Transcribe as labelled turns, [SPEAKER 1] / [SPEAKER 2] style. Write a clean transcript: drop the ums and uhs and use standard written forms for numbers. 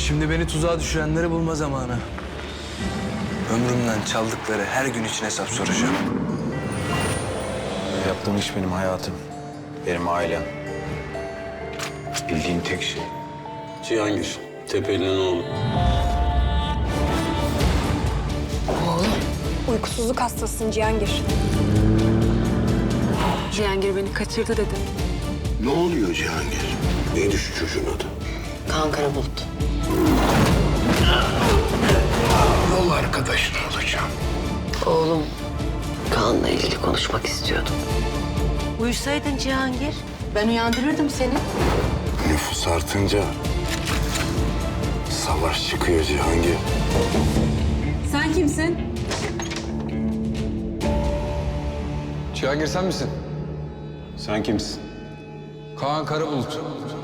[SPEAKER 1] Şimdi beni tuzağa düşürenleri bulma zamanı. Ömrümden çaldıkları her gün için hesap soracağım.
[SPEAKER 2] Yaptığım iş benim hayatım. Benim ailem. Bildiğin tek şey.
[SPEAKER 3] Cihangir, Tepeli'nin oğlu.
[SPEAKER 4] Uykusuzluk hastasısın Cihangir.
[SPEAKER 5] Cihangir beni kaçırdı dedi.
[SPEAKER 3] Ne oluyor Cihangir? Neydi şu çocuğun adı?
[SPEAKER 5] Kaan Karabulut.
[SPEAKER 3] Yol arkadaşın olacağım.
[SPEAKER 5] Oğlum Kaan'la ilgili konuşmak istiyordum. Uyusaydın Cihangir. Ben uyandırırdım seni.
[SPEAKER 3] Nüfus artınca savaş çıkıyor Cihangir.
[SPEAKER 5] Sen kimsin?
[SPEAKER 6] Cihangir sen misin?
[SPEAKER 2] Sen kimsin?
[SPEAKER 6] Kaan Karabulut.